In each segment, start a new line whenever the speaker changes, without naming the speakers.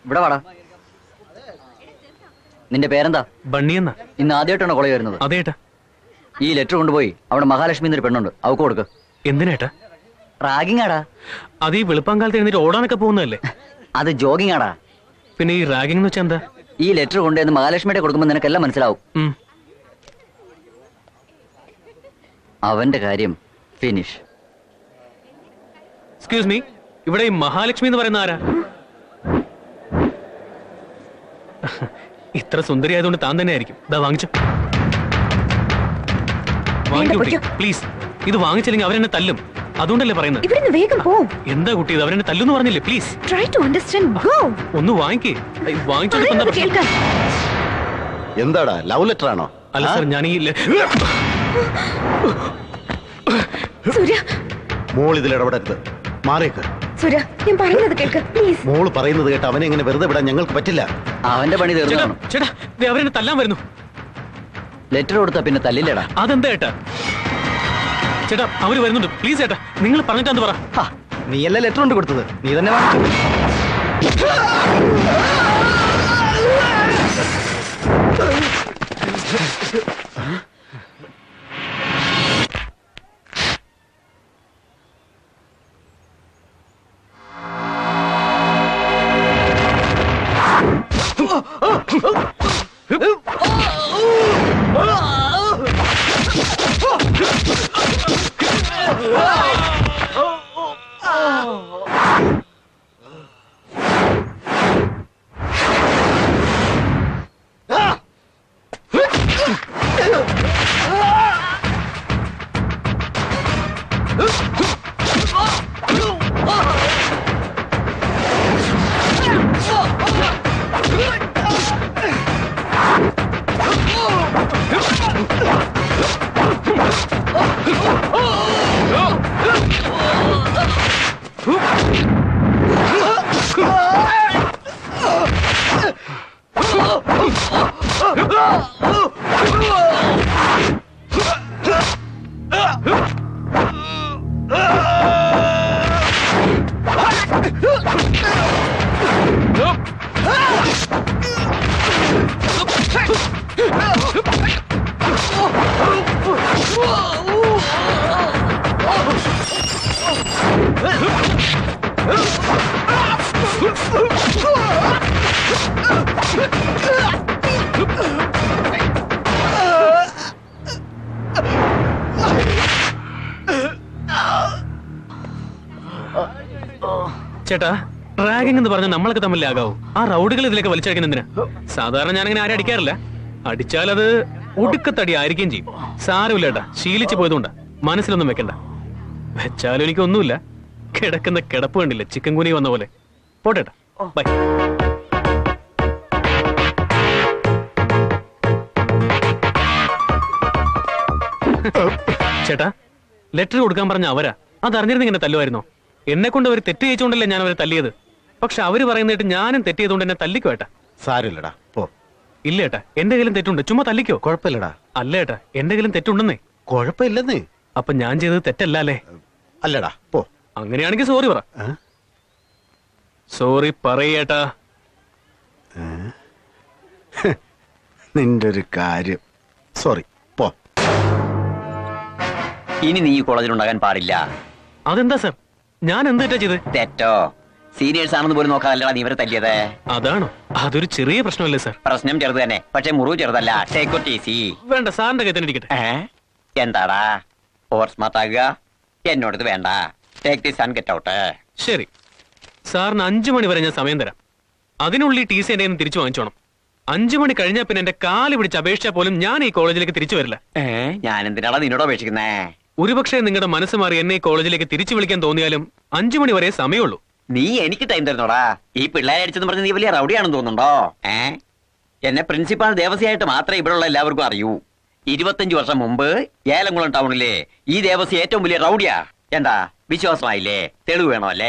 ഇവിടെ വാടാ. നിന്റെ പേരെന്താ?
ബണ്ണിയെന്നാ.
ഇന്ന് ആദ്യമായിട്ടാണോ കോളേജ് വരുന്നത്?
അതേട്ടാ.
ഈ ലെറ്റർ കൊണ്ടുപോയി അവിടെ മഹാലക്ഷ്മി എന്നൊരു പെണ്ണുണ്ട്, അവക്ക് കൊടുക്ക്.
എന്തിനേട്ടാ?
റാഗിങ് ആടാ.
അത് ഈ വെളുപ്പാങ്കാലത്ത് എഴുന്നേറ്റ് ഓടാനൊക്കെ പോകുന്നതല്ലേ?
അത് ജോഗിങ് ആടാ.
പിന്നെ ഈ റാഗിംഗ് എന്ന് വെച്ചാ എന്താ?
ഈ ലെറ്റർ കൊണ്ടുവന്ന് മഹാലക്ഷ്മിയുടെ കൊടുക്കുമ്പോൾ നിനക്കെല്ലാം മനസ്സിലാവും. അവന്റെ കാര്യം ഫിനിഷ്.
എക്സ്ക്യൂസ് മീ, ഇവിടെ ഈ മഹാലക്ഷ്മി എന്ന് പറയുന്ന ആരാ? ഇത്ര സുന്ദരി ആയതുകൊണ്ട് താൻ തന്നെ ആയിരിക്കും. ഇതാ വാങ്ങിച്ചു. പ്ലീസ്, ഇത് വാങ്ങിച്ചില്ലെങ്കിൽ അവരെന്നെ തല്ലും. അതുകൊണ്ടല്ലേ പറയുന്നത്.
വേഗം പോ.
എന്താ കുട്ടി, ഇത് അവരെന്നെ തല്ലുന്ന് പറഞ്ഞില്ലേ? Please
try to understand. Go.
ഒന്ന് വാങ്ങിക്കേ. വാങ്ങിച്ചോണ്ട്
എന്താടാ, ലവ് ലെറ്റർ ആണോ?
അല്ല സർ, ഞാൻ ഈ
സൂര്യ,
മോൾ ഇതിൽ ഇടപെടരുത്. മാറിയേക്ക്.
സൂര്യ, ഞാൻ പറയുന്നത് കേൾക്ക് പ്ലീസ്.
മോള് പറയുന്നത് കേട്ട് അവനെ എങ്ങനെ വെറുതെ വിടാൻ ഞങ്ങൾക്ക് പറ്റില്ല.
അവന്റെ പണി തീർന്നു.
ചേട്ടാ, അവരെന്നെ തല്ലാൻ വരുന്നു.
ലെറ്റർ കൊടുത്താ പിന്നെ തല്ലില്ലടാ.
അതെന്താ ഏട്ടാ? ചേട്ടാ, അവര് വരുന്നുണ്ട്. പ്ലീസ് ചേട്ടാ, നിങ്ങൾ പറഞ്ഞിട്ടാന്ന് പറ.
നീ അല്ല ലെറ്റർ കൊണ്ട് കൊടുത്തത്, നീ തന്നെ വാങ്ങിച്ചു.
ചേട്ടാ, റാഗിംഗ് എന്ന് പറഞ്ഞാൽ നമ്മളൊക്കെ തമ്മിലാകാവൂ. ആ റൗഡുകൾ ഇതിലേക്ക് വലിച്ചടിക്കുന്ന എന്തിനാ? സാധാരണ ഞാനങ്ങനെ ആരും അടിക്കാറില്ല. അടിച്ചാൽ അത് ഒടുക്കത്തടി ആയിരിക്കുകയും ചെയ്യും. സാരമില്ല ഏട്ടാ, ശീലിച്ചു പോയതുകൊണ്ടാ. മനസ്സിലൊന്നും വെക്കണ്ട. വെച്ചാലും എനിക്കൊന്നുമില്ല. കിടക്കുന്ന കിടപ്പ് കണ്ടില്ല, ചിക്കൻ കുനി വന്ന പോലെ. പോട്ടേട്ടാ, ബൈ. ചേട്ടാ, ലെറ്റർ കൊടുക്കാൻ പറഞ്ഞ അവരാ. അതറിഞ്ഞിരുന്ന ഇങ്ങനെ തല്ലുമായിരുന്നോ? എന്നെ കൊണ്ട് അവർ തെറ്റ് ചെയ്യിച്ചുകൊണ്ടല്ലേ ഞാൻ അവരെ തല്ലിയത്. പക്ഷെ അവര് പറയുന്നിട്ട് ഞാനും തെറ്റ് ചെയ്തുകൊണ്ട് എന്നെ തല്ലിക്കോ ഏട്ടാ?
സാരമില്ലടാ, പോ.
ഇല്ല ഏട്ടാ, എന്റെ കയ്യിലും തെറ്റുണ്ട്. ചുമ്മാ തല്ലിക്കോ.
കുഴപ്പമില്ലടാ.
അല്ല ഏട്ടാ, എന്റെ കയ്യിലും തെറ്റുണ്ടെന്നേ.
കുഴപ്പമില്ലെന്നേ.
അപ്പൊ ഞാൻ ചെയ്തത് തെറ്റല്ല അല്ലേ?
അല്ലടാ, പോ.
അങ്ങനെയാണെങ്കിൽ സോറി പറ. സോറി പറയേട്ടാ.
നിന്റെ ഒരു കാര്യം. സോറി, പോ.
ഇനി നീ ഈ കോളേജിൽ ഉണ്ടാകാൻ പാടില്ല.
അതെന്താ സർ, ഞാൻ എന്താ ചെയ്ത്?
തെറ്റോ? സീനിയേഴ്സ് ആണെന്ന് പോലും നോക്കാതല്ലടാ നീ ഇവരെ തല്ലിയത്.
അതാണോ? അതൊരു ചെറിയ പ്രശ്നമല്ലേ സർ?
പ്രശ്നം ചെറുത് തന്നെ, പക്ഷെ മുറിവ് ചെറുതല്ല. Take it easy.
വേണ്ട, സാറിന്റെ കയ്യിൽ തന്നെ ഇരിക്കട്ടെ.
എന്താടാ ഓവർ സ്മാർട്ട് ആകുക? എന്നോടത് വേണ്ട. Take this and get out.
ശരി, സാറിന് 5 മണി വരെ ഞാൻ സമയം തരാം. അതിനുള്ളിൽ ടി സി എന്റെ തിരിച്ചു വാങ്ങിച്ചോണം. 5 മണി കഴിഞ്ഞാൽ പിന്നെ എന്റെ കാല് പിടിച്ച് അപേക്ഷിച്ചാൽ പോലും ഞാൻ ഈ കോളേജിലേക്ക് തിരിച്ചു വരില്ല.
ഞാൻ എന്തിനാടാ നിന്നോട് അപേക്ഷിക്കുന്നേ?
ഒരുപക്ഷെ നിങ്ങളുടെ മനസ്സ് മാറി എന്നെ ഈ കോളേജിലേക്ക് തിരിച്ചു വിളിക്കാൻ തോന്നിയാലും 5 മണി വരെ സമയമുള്ളൂ.
നീ എനിക്ക് ടൈം തരുന്നോടാ? ഈ പിള്ളേരെ അടിച്ചെന്ന് പറഞ്ഞ് നീ വലിയ റൗഡിയാണെന്ന് തോന്നുന്നുണ്ടോ? എന്നെ പ്രിൻസിപ്പാൾ ദേവസ്യായിട്ട് മാത്രമേ ഇവിടെയുള്ള എല്ലാവർക്കും അറിയൂ. 25 വർഷം മുമ്പ് ഏലംകുളം ടൗണിലെ ഈ ദേവസ്യ ഏറ്റവും വലിയ റൗഡിയാ. എന്താ വിശ്വാസമായില്ലേ? തെളിവ് വേണോ അല്ലേ?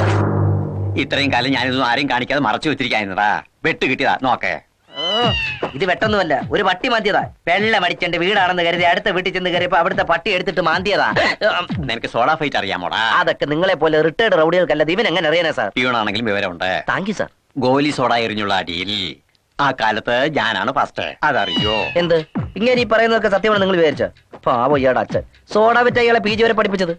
ഇത്രയും കാലം ഞാനിതൊന്നും ആരെയും കാണിക്കാതെ മറച്ചു വെച്ചിരിക്കാ. വെട്ട് കിട്ടിയതാ നോക്കേ.
ഇത് വെട്ടൊന്നുമല്ല, ഒരു പട്ടി മാന്തിയതാ. വെള്ളം അടിച്ചെന്റെ വീടാണെന്ന് കരുതി അടുത്ത വീട്ടിൽ ചെന്ന് കയറിയപ്പോ അവിടുത്തെ പട്ടി എടുത്തിട്ട് മാന്തിയതാ.
നിനക്ക് സോഡാ ഫൈറ്റ് അറിയാമോടാ?
അതൊക്കെ നിങ്ങളെ പോലെ റിട്ടയർഡ് റൗഡികൾക്കല്ലത്, ഇവൻ എങ്ങനെ അറിയാനാ സാർ?
പ്യൂണാണെങ്കിലും വിവരമുണ്ട്.
Thank you sir.
ഗോലി സോഡ എറിഞ്ഞുള്ള അടിയിൽ ആ കാലത്ത് ഞാനാണ് ഫസ്റ്റ്. അതറിയോ?
എന്ത് ഇങ്ങനെ ഈ പറയുന്നതൊക്കെ സത്യമാണ് നിങ്ങൾ വിചാരിച്ച? പാവോ ഇയാടെ അച്ഛൻ സോഡ വിറ്റ ഇയാളെ PG വരെ പഠിപ്പിച്ചത്.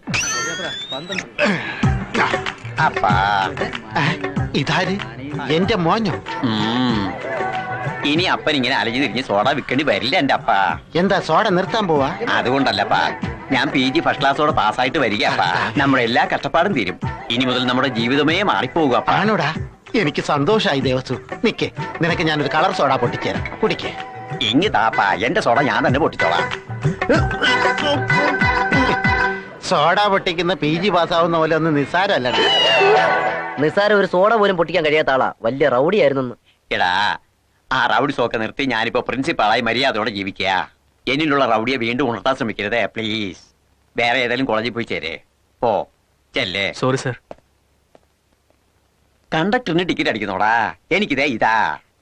അപ്പാ
ഇതാര്? എന്റെ മോഞ്ഞോ?
ഇനി അപ്പൻ ഇങ്ങനെ അലഞ്ഞു തിരിഞ്ഞ് സോഡ വിൽക്കേണ്ടി വരില്ല എന്റെ അപ്പ.
എന്താ സോഡ നിർത്താൻ പോവാ?
അതുകൊണ്ടല്ലപ്പാ, ഞാൻ PG ഫസ്റ്റ് ക്ലാസ്സോടെ പാസ്സായിട്ട് വരികയപ്പാ. നമ്മുടെ എല്ലാ കഷ്ടപ്പാടും തീരും. ഇനി മുതൽ നമ്മുടെ ജീവിതമേ മാറിപ്പോകുക.
ആണോടാ? എനിക്ക് സന്തോഷായി ദേവസു. നിക്കേ, നിനക്ക് ഞാനൊരു കളർ സോഡ പൊട്ടിച്ചേരാം, കുടിക്കേ.
ഇങ്ങി താപ്പാ, എന്റെ സോഡ ഞാൻ തന്നെ പൊട്ടിച്ചോളാം.
സോഡ പൊട്ടിക്കുന്ന PG പാസ്സാവുന്ന പോലെ ഒന്ന് നിസ്സാരമല്ലടാ.
നിസ്സാരം ഒരു സോഡ പോലും പൊട്ടിക്കാൻ കഴിയാത്ത ആളാ, വലിയ റൗഡി ആയിരുന്നു.
എടാ, ആ റൗഡി സോക്കെ നിർത്തി ഞാനിപ്പോ പ്രിൻസിപ്പാളായി മര്യാദയോടെ ജീവിക്കുക. എന്നിലുള്ള റൗഡിയെ വീണ്ടും ഉണർത്താൻ ശ്രമിക്കരുതേ പ്ലീസ്. വേറെ ഏതെങ്കിലും കോളേജിൽ പോയി ചേരേ. പോ ചെല്ലേ.
Sorry sir.
കണ്ടക്ടറിന് ടിക്കറ്റ് അടിക്കുന്നോടാ. എനിക്കിതേ ഇതാ.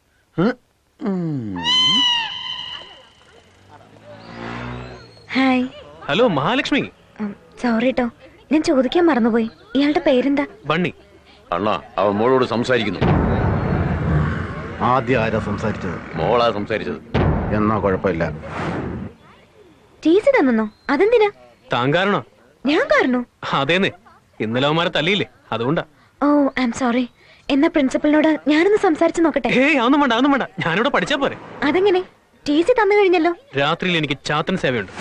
ഹായ്.
ഹലോ മഹാലക്ഷ്മി.
സോറി കേട്ടോ, ഞാൻ ചോദിക്കാൻ മറന്നുപോയി. ഇയാളുടെ പേരെന്താ?
ബണ്ണി.
അണ്ണാ, അവൻ മോളോട് സംസാരിക്കുന്നു.
ആദ്യം ആരാ സംസാരിച്ചത്?
മോളാ സംസാരിച്ചത്.
എന്നാ കുഴപ്പമില്ല.
TC തന്നോ? അതെന്തിനാ?
താൻ കാരണോ?
ഞാൻ കാരണോ?
അതേന്ന്, ഇന്നലെ അവന്മാരെ തല്ലിയില്ലേ, അതുകൊണ്ടാ.
Oh I am sorry. എന്നാ പ്രിൻസിപ്പലിനോട് ഞാനൊന്ന് സംസാരിച്ചു നോക്കട്ടെ.
ഏയ് അതൊന്നും വേണ്ട, അതൊന്നും വേണ്ട. ഞാനിവിടെ പഠിച്ചാ പോരെ.
അതെങ്ങനെ? TC തന്നു കഴിഞ്ഞല്ലോ.
രാത്രിയിൽ എനിക്ക് ചാത്തൻ സേവയുണ്ട്.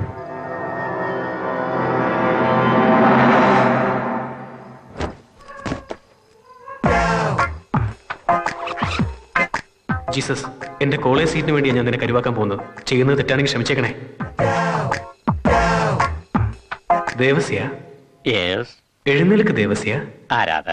ജീസസ്, എന്റെ കോളേജ് സീറ്റിന് വേണ്ടി ഞാൻ നിന്നെ കരുവാക്കാൻ പോകുന്നത്. ചെയ്യുന്നത് തെറ്റാണെങ്കിൽ ക്ഷമിച്ചേക്കണേ. ദേവസ്യ,
യെസ്.
എഴുന്നേൽക്ക് ദേവസ്യ.
ആരാധ?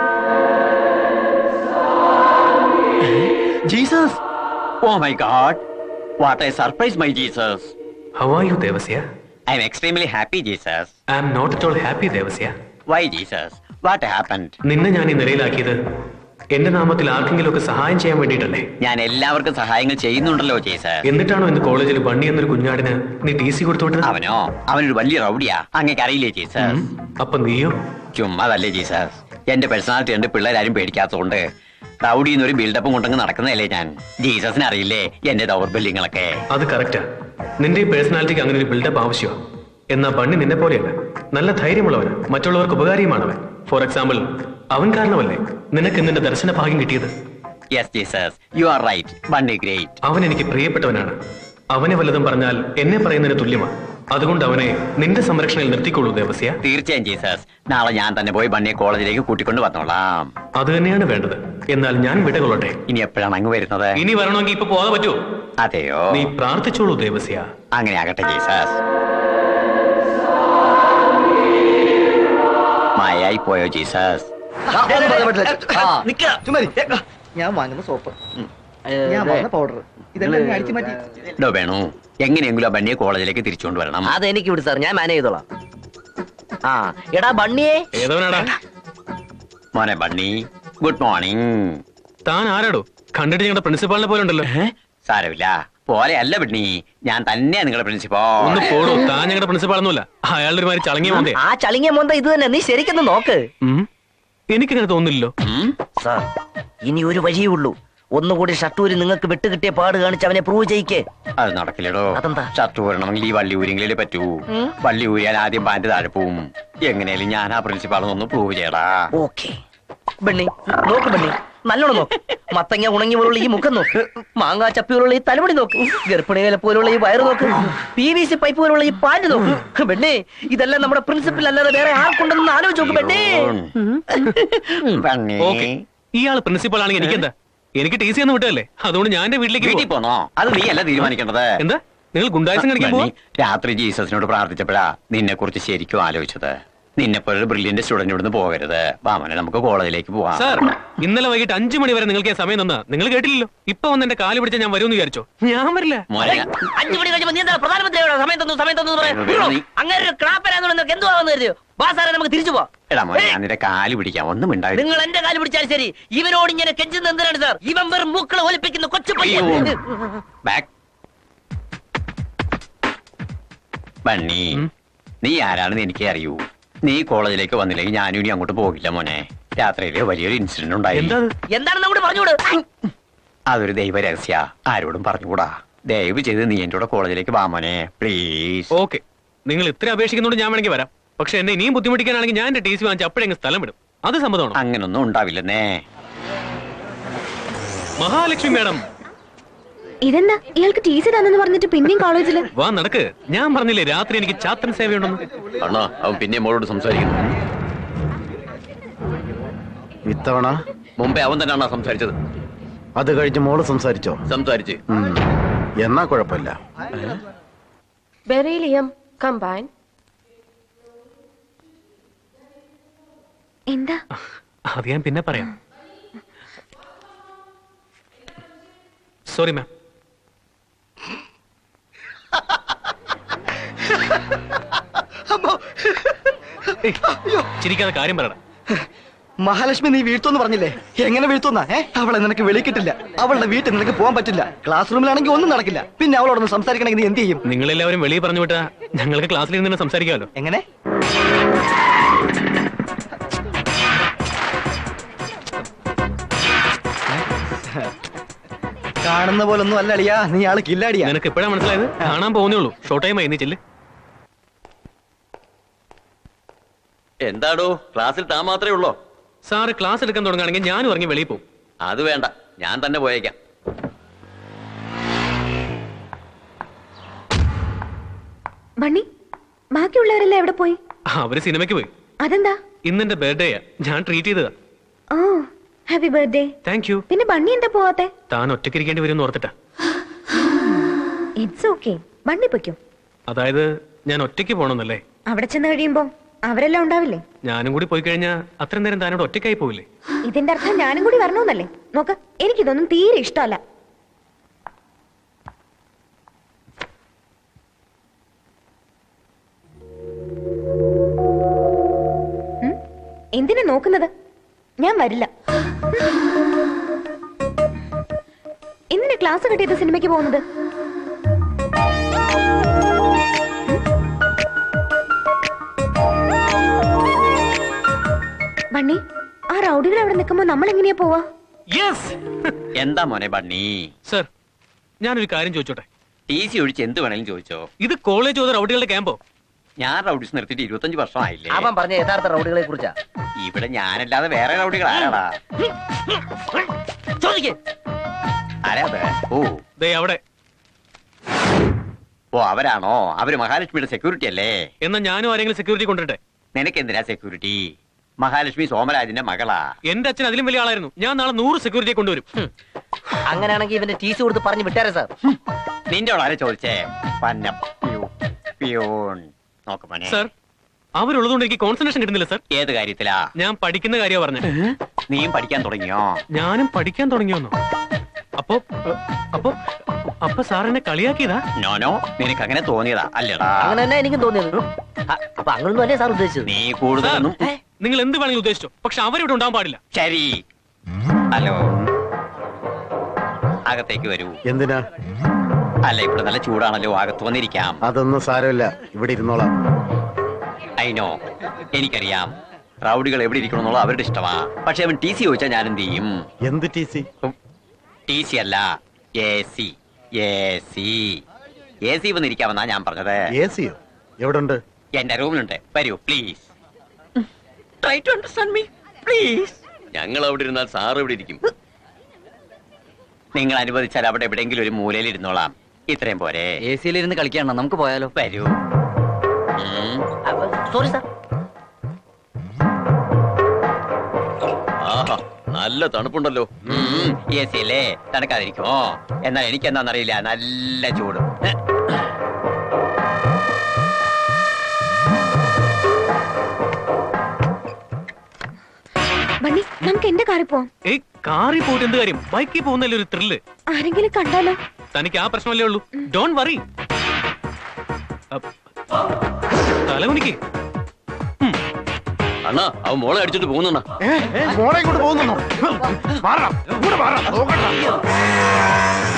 Jesus. Oh my God, what a surprise my Jesus.
How are you Devasya?
I am extremely happy Jesus.
I am not at all happy Devasya.
Why Jesus? What happened?
നിന്നെ ഞാൻ ഈ നിലയിലാക്കിയത് എന്റെ നാമത്തിൽ ആർക്കെങ്കിലും ഒക്കെ സഹായം ചെയ്യാൻ വേണ്ടിയിട്ടല്ലേ?
ഞാൻ എല്ലാവർക്കും സഹായങ്ങൾ ചെയ്യുന്നുണ്ടല്ലോ ജീസസ്.
എന്നിട്ടാണോ ഇന്ന് കോളേജിൽ ബണ്ണി എന്നൊരു കുഞ്ഞാടിന് നീ TC കൊടുത്തോട്ടത്?
അവനോ? അവനൊരു വലിയ റൗഡിയാ. അങ്ങേക്ക് അറിയില്ലേ ജീസസ്?
അപ്പൊ നീയോ?
ചുമ്മാതല്ലേ ജീസസ്. എന്റെ പേഴ്സണാലിറ്റി ഉണ്ട്, പിള്ളേരാരും പേടിക്കാത്തതുകൊണ്ട് റൗഡിന്ന് ഒരു ബിൽഡപ്പും കൊണ്ടങ്ങ് നടക്കുന്നതല്ലേ ഞാൻ. ജീസസിന് അറിയില്ലേ എന്റെ ദൗർബല്യങ്ങളൊക്കെ?
അത് കറക്റ്റാ. നിന്റെ ഈ പേഴ്സണാലിറ്റിക്ക് അങ്ങനെ ഒരു ബിൽഡപ്പ് ആവശ്യമാണ്. എന്നാ ബണ്ണി നിന്നെ പോലെയല്ല, നല്ല ധൈര്യമുള്ളവന്, മറ്റുള്ളവർക്ക് ഉപകാരിയുമാണവൻ. ഫോർ എക്സാമ്പിൾ, അവൻ കാരണമല്ലേ നിനക്ക് നിന്റെ ദർശന ഭാഗ്യം കിട്ടിയത്?
Yes Jesus, you are right. Bunny great.
അവൻ എനിക്ക് പ്രിയപ്പെട്ടവനാണ്. അവനെ വല്ലതും പറഞ്ഞാൽ എന്നെ പറയുന്നതിന് തുല്യമാണ്. അതുകൊണ്ട് അവനെ നിന്റെ സംരക്ഷണയിൽ നിർത്തിക്കൊള്ളൂ ദേവസ്യ.
തീർച്ചയായും ജീസസ്. നാളെ ഞാൻ തന്നെ പോയി ബണ്ണിയെ കോളേജിലേക്ക് കൂട്ടിക്കൊണ്ട് വന്നോളാം.
അത് തന്നെയാണ് വേണ്ടത്. എന്നാൽ ഞാൻ വിടകൊള്ളട്ടെ.
ഇനി എപ്പോഴാണ് അങ്ങ് വരുന്നത്?
ഇനി വരണമെങ്കിൽ ഇപ്പൊ പോകാതെ പറ്റുമോ?
അതെയോ?
നീ പ്രാർത്ഥിച്ചോളൂ ദേവസ്യ.
അങ്ങനെ ആകട്ടെ ജീസസ്. മായായി പോയോ ജീസസ്?
ഞാൻ വാങ്ങുന്ന സോപ്പ്, ഞാൻ വാങ്ങുന്ന പൗഡർ, ഇതെല്ലാം അടിച്ചു മാറ്റി.
ഡോ വേണു, എങ്ങനെയെങ്കിലും ആ ബണ്ണിയെ കോളേജിലേക്ക് തിരിച്ചുകൊണ്ട് വരണം.
അതെനിക്ക് വിട് സാർ, ഞാൻ മാനേജ് ചെയ്തോളാം. ആ എടാ ബണ്ണിയേ.
ഏതവനാടാ?
മോനെ ബണ്ണി, ഗുഡ് മോർണിംഗ്.
താൻ ആരാടോ? കണ്ടിട്ട് ഞങ്ങളുടെ പ്രിൻസിപ്പാളിനെ പോലെ ഉണ്ടല്ലോ.
സാരമില്ല, പോലെ അല്ല ബണ്ണി, ഞാൻ തന്നെയാ നിങ്ങളുടെ പ്രിൻസിപ്പൽ.
ഒന്ന് പോടോ, താൻ ഞങ്ങളുടെ പ്രിൻസിപ്പാളൊന്നുമല്ല. അയാളുടെ ഒരു മാതിരി ചളങ്ങിയ മോന്തേ.
ആ ചളിങ്ങിയ മോന്ത ഇത് തന്നെ, നീ ശരിക്കൊന്ന് നോക്ക്.
എനിക്കങ്ങനെ തോന്നില്ലല്ലോ.
സാർ ഇനി ഒരു വഴിയേ ഉള്ളൂ. ഒന്നുകൂടി ഷട്ടൂരി നിങ്ങൾക്ക് വിട്ടുകിട്ടിയ പാട് കാണിച്ച് അവനെ പ്രൂവ് ചെയ്യിക്കേ.
അത് നടക്കില്ലടോ.
അതെന്താ?
ഷർട്ട് ഊരണമെങ്കിൽ ഈ വള്ളി ഊരിയെങ്കിലേ പറ്റൂ. വള്ളി ഊരിയാൽ ആദ്യം പാന്റ് താഴെ പോവും. എങ്ങനെയാലും ഞാൻ ആ പ്രിൻസിപ്പാളൊന്ന് പ്രൂവ് ചെയ്യടാ.
ഓക്കെ ബണ്ണി, നോക്ക് ബണ്ണി, നല്ലോണം നോക്ക്. മത്തങ്ങ ഉണങ്ങി പോലുള്ള ഈ മുഖം നോക്ക്, മാങ്ങാ ചപ്പി പോലുള്ള ഈ തലമുടി നോക്ക്, ഗർഭിണികളെ പോലുള്ള ഈ വയറ് നോക്ക്, PVC പൈപ്പ് പോലുള്ള ഈ പാന്റ് നോക്ക്. ബണ്ണി, ഇതെല്ലാം നമ്മുടെ പ്രിൻസിപ്പൽ അല്ലാതെ വേറെ ആർക്കുണ്ടെന്ന് ആലോചിച്ച് നോക്ക് ബണ്ണി.
ബണ്ണി,
ഓക്കെ, ഇയാള് പ്രിൻസിപ്പൾ ആണെങ്കിൽ എനിക്കെന്താ? എനിക്ക് TC ഒന്നും വിട്ടല്ലേ, അതുകൊണ്ട് ഞാൻ എന്റെ വീട്ടിലേക്ക്
വീട്ടിൽ പോന്നോ? അത് നീ അല്ല തീരുമാനിക്കേണ്ടത്.
എന്താ നിങ്ങൾ ഗുണ്ടായസം കാണിക്കാൻ പോവാ?
രാത്രി ജീസസിനോട് പ്രാർത്ഥിച്ചപ്പോഴാ നിന്നെ കുറിച്ച് ശരിക്കും ആലോചിച്ചത്. നിന്നെപ്പോലൊരു ബ്രില്യന്റ് സ്റ്റുഡന്റ് ഇവിടുന്ന് പോകരുത്. വാമനെ നമുക്ക് കോളേജിലേക്ക് പോവാം.
സാർ ഇന്നലെ വൈകിട്ട് 5 മണി വരെ നിങ്ങൾക്ക് സമയം തന്നാ നിങ്ങൾ കേട്ടില്ലല്ലോ. ഇപ്പൊ വന്ന് എന്റെ കാല് പിടിച്ച ഞാൻ വരുമെന്ന് വിചാരിച്ചോ? ഞാൻ വരില്ല.
മോനെ
5 മണി കഴിയുമ്പോ നീ എന്താ പ്രധാനമന്ത്രിയോട് സമയം തന്നു അങ്ങനെ ഒരു ക്ലാപ്പരാന്ന് നിനക്ക് എന്തുവാന്ന് കരുതിയോ? വാ സാറേ നമുക്ക് തിരിച്ചു പോവാം.
എടാ മോനെ ഞാൻ നിന്റെ കാല് പിടിക്കാം, ഒന്നും മിണ്ടായി.
നിങ്ങൾ എന്റെ കാല് പിടിച്ചാൽ ശരി, ഇവനോട് ഇങ്ങനെ കെഞ്ചുന്ന എന്തിനാണ് സാർ? ഇവൻ വെറും മൂക്കളെ ഒലിപ്പിക്കുന്ന കൊച്ചു പയ്യൻ.
ബാക്ക് ബണ്ണി, നീ ആരാണെന്ന് എനിക്ക് അറിയൂ. നീ കോളേജിലേക്ക് വന്നില്ലെങ്കിൽ ഞാനും ഇനി അങ്ങോട്ട് പോകില്ല മോനെ. രാത്രിയില് വലിയൊരു ഇൻസിഡന്റ് ഉണ്ടായി.
എന്താണെന്ന് അങ്ങോട്ട് പറഞ്ഞുകൂട്.
അതൊരു ദൈവ രഹസ്യ, ആരോടും പറഞ്ഞുകൂടാ. ദയവ് ചെയ്ത് നീ എന്റെ കൂടെ കോളേജിലേക്ക് വാ മോനെ, പ്ലീസ്.
ഓക്കെ, നിങ്ങൾ ഇത്ര അപേക്ഷിക്കുന്നോണ്ട് ഞാൻ വേണമെങ്കിൽ വരാം. പക്ഷെ എന്നെ ഇനിയും ബുദ്ധിമുട്ടിക്കാനാണെങ്കിൽ ഞാൻ എന്റെ ടി സി വാങ്ങിച്ച് അപ്പോഴെങ്കിൽ സ്ഥലം വിടും. അത് സമ്മതമാണോ?
അങ്ങനൊന്നും ഉണ്ടാവില്ലെന്നേ.
മഹാലക്ഷ്മി മാഡം,
ഇതെന്താ ഇയാൾക്ക് ടി സി തന്നെന്ന് പറഞ്ഞിട്ട് പിന്നെയും കോളേജില്?
വാ നടക്ക്. ഞാൻ പറഞ്ഞില്ലേ രാത്രി എനിക്ക് ചാത്തൻ സേവയുണ്ടെന്ന്.
അണ്ണാ അവൻ പിന്നെ മോളോട് സംസാരിക്കുന്നു.
ഇത്തവണ
മുമ്പേ അവൻ തന്നെയാണോ സംസാരിച്ചത്?
അത് കഴിഞ്ഞ് മോള് സംസാരിച്ചോ?
സംസാരിച്ച്.
എന്നാ കുഴപ്പമില്ല.
Beryllium combine.
എന്താ?
അത് ഞാൻ പിന്നെ പറയാം. Sorry ma'am. ചിരിക്കാതെ കാര്യം പറയണം.
മഹാലക്ഷ്മി നീ വീഴ്ത്തോന്ന് പറഞ്ഞില്ലേ? എങ്ങനെ വീഴ്ത്തുന്ന? അവളെ നിനക്ക് വെളി കിട്ടില്ല. അവളുടെ വീട്ടിൽ നിനക്ക് പോകാൻ പറ്റില്ല. ക്ലാസ് റൂമിലാണെങ്കിൽ ഒന്നും നടക്കില്ല. പിന്നെ അവളോടൊന്ന് സംസാരിക്കണമെങ്കിൽ നീ എന്ത് ചെയ്യും?
നിങ്ങളെല്ലാവരും വെളിയിൽ പറഞ്ഞു വിട്ടാ ഞങ്ങൾക്ക് ക്ലാസ്സിൽ നിന്ന് സംസാരിക്കാമല്ലോ.
എങ്ങനെ? കാണുന്ന പോലൊന്നും അല്ല അളിയാ, നീ ആള് കില്ലാടിയാ.
നിനക്ക് എപ്പോഴാ മനസ്സിലായത്? കാണാൻ പോകുന്നേ ഉള്ളൂ. ഷോർട്ട് ടൈം ആയി, നീ ചെല്ല്.
എന്താടോ ക്ലാസ്സിൽ താൻ മാത്രമേ ഉള്ളോ?
സാറ് ക്ലാസ് എടുക്കാൻ തുടങ്ങുകയാണെങ്കിൽ ഞാനും ഇറങ്ങി വെളിയിൽ പോകും.
അത് വേണ്ട, ഞാൻ തന്നെ പോയേക്കാം.
ബണ്ണി, ബാക്കിയുള്ളവരെല്ലാം എവിടെ പോയി?
അവര് സിനിമയ്ക്ക് പോയി.
അതെന്താ?
ഇന്നെന്റെ ബർത്ത്ഡേയാ, ഞാൻ ട്രീറ്റ് ചെയ്തതാ.
Oh happy birthday.
Thank you.
പിന്നെ ബണ്ണി എന്താ പോവാത്തെ?
താൻ ഒറ്റയ്ക്കിരിക്കേണ്ടി വരും എന്ന് ഓർത്തിട്ടാ.
ഇറ്റ്സ് ഓക്കെ, ബണ്ണി പൊയ്ക്കോ.
അതായത് ഞാൻ ഒറ്റയ്ക്ക് പോകണമെന്നല്ലേ?
അവിടെ ചെന്ന് കഴിയുമ്പോ അവരെല്ലാം ഉണ്ടാവില്ലേ?
ഞാനും കൂടി പോയി കഴിഞ്ഞാൽ അത്രയും നേരം താനോട് ഒറ്റയ്ക്കായി പോവില്ലേ?
ഇതിന്റെ അർത്ഥം ഞാനും കൂടി വരണമെന്നല്ലേ? നോക്ക്, എനിക്കിതൊന്നും തീരെ ഇഷ്ടമല്ല. എന്തിനാ നോക്കുന്നത്? ഞാൻ വരില്ല. എന്തിനാ ക്ലാസ് കട്ട് ചെയ്ത് സിനിമയ്ക്ക് പോകുന്നത്? ബണ്ണി, ആ റൗഡികൾ അവിടെ നിൽക്കുമ്പോ നമ്മൾ എങ്ങനെയാ പോവാ?
എന്താ മോനെ ബണ്ണി?
സർ, ഞാനൊരു കാര്യം ചോദിച്ചോട്ടെ?
ടി സി ഒഴിച്ച് എന്ത് വേണേലും ചോദിച്ചോ.
ഇത് കോളേജ് ഓതോ റൗഡികളുടെ ക്യാമ്പോ?
ഞാൻ റൗഡീസ് നിർത്തിയിട്ട് 25 വർഷമായില്ലേ.
അവൻ പറഞ്ഞ യഥാർത്ഥ റൗഡികളെ കുറിച്ചാ.
ഇവിടെ ഞാനല്ലാതെ വേറെ റൗഡികൾ ആരാടാ?
ചോദിക്കേ.
ആരാ അത്? ഓ
ദേ അവിടെ.
ഓ അവരാണോ? അവര് മഹാലക്ഷ്മിയുടെ സെക്യൂരിറ്റി അല്ലേ?
എന്നാ ഞാനും ആരെങ്കിലും സെക്യൂരിറ്റി കൊണ്ടിട്ടെ.
നിനക്ക് എന്തിനാ സെക്യൂരിറ്റി? മഹാലക്ഷ്മി സോമരാജിന്റെ മകളാ.
എന്റെ അച്ഛൻ അതിലും വലിയ ആളായിരുന്നു. ഞാൻ നാളെ 100 സെക്യൂരിറ്റിയെ കൊണ്ടുവരും.
അങ്ങനെയാണെങ്കിൽ ഇവന്റെ ടി സി കൊടുത്ത് പറഞ്ഞു വിട്ടാരേ സാർ.
നിന്റെ ആരെ ചോദിച്ചേ? പിയൂൺ നോക്ക് മോനെ.
സർ, അവരുള്ളതുകൊണ്ട് എനിക്ക് കോൺസെൻട്രേഷൻ കിട്ടുന്നില്ല സർ.
ഏത് കാര്യത്തിലാ?
ഞാൻ പഠിക്കുന്ന കാര്യമാ പറഞ്ഞത്.
നീയും പഠിക്കാൻ തുടങ്ങിയോ?
ഞാനും പഠിക്കാൻ തുടങ്ങിയോന്നോ? അപ്പൊ അപ്പൊ അപ്പൊ സാറിനെ കളിയാക്കിയതാ?
നോനോ, നിനക്ക് അങ്ങനെ തോന്നിയതാ അല്ലേടാ?
അങ്ങനെ തന്നെ എനിക്കും തോന്നിയത്. അപ്പൊ അങ്ങനൊന്നും അല്ലേ സാർ ഉദ്ദേശിച്ചത്?
നീ കൂടുതലൊന്നും.
നിങ്ങൾ എന്ത് വേണമെങ്കിലും ഉദ്ദേശിച്ചോ, പക്ഷെ അവരിവിടെ ഉണ്ടാവാൻ പാടില്ല.
ശരി. ഹലോ, അകത്തേക്ക് വരൂ.
എന്തിനാ?
അല്ല, ഇവിടെ നല്ല ചൂടാണല്ലോ, അകത്ത് വന്നിരിക്കാം.
അതൊന്നും സാരമില്ല, ഇവിടെ ഇരുന്നോളാം.
അയിനോ, എനിക്കറിയാം റൗഡികൾ എവിടെ ഇരിക്കണമെന്നുള്ള അവരുടെ ഇഷ്ടമാ. പക്ഷെ അവൻ ടി സി ചോദിച്ചാൽ ഞാൻ എന്ത് ചെയ്യും?
എന്ത് ടി സി?
ടി സി അല്ല, AC. വന്നിരിക്കാമെന്നാ ഞാൻ പറഞ്ഞത്.
AC യോ? എവിടെ ഉണ്ട്?
എന്റെ റൂമിലുണ്ട്. വരൂ please. Try to understand me please. ഞങ്ങൾ അവിടെ ഇരുന്നാൽ സാർ ഇവിടെ ഇരിക്കും. നിങ്ങൾ അനുവദിച്ചാൽ അവിടെ എവിടെയെങ്കിലും ഒരു മൂലയിൽ ഇരുന്നോളാം. ഇത്രയും പോരെ?
AC-ലിരുന്ന് കളിക്കാണോ? നമുക്ക് പോയാലോ?
വരൂ.
Sorry sir.
ആഹാ, നല്ല തണുപ്പുണ്ടല്ലോ. AC അല്ലേ, തണുക്കാതിരിക്കുമോ? എന്നാൽ എനിക്ക് എന്താണെന്നറിയില്ല, നല്ല ചൂട്.
ബണ്ണി നമുക്ക് എന്റെ കാറിൽ പോവാം.
ഏയ് കാറിൽ പോയിട്ട് എന്ത് കാര്യം? ബൈക്കിൽ പോകുന്നല്ലേ ഒരു ത്രില്ല്.
ആരെങ്കിലും കണ്ടാലോ?
തനിക്ക് ആ പ്രശ്നമല്ലേ ഉള്ളൂ. Don't worry. തലകുനിക്ക്.
അണ്ണാ അവൻ മോളെ അടിച്ചിട്ട് പോകുന്ന
മോളെ ഇങ്ങോട്ട് പോകുന്നുണ്ടോ? മാറാം, ഇങ്ങോട്ട് മാറാം, നോക്കട്ടെ.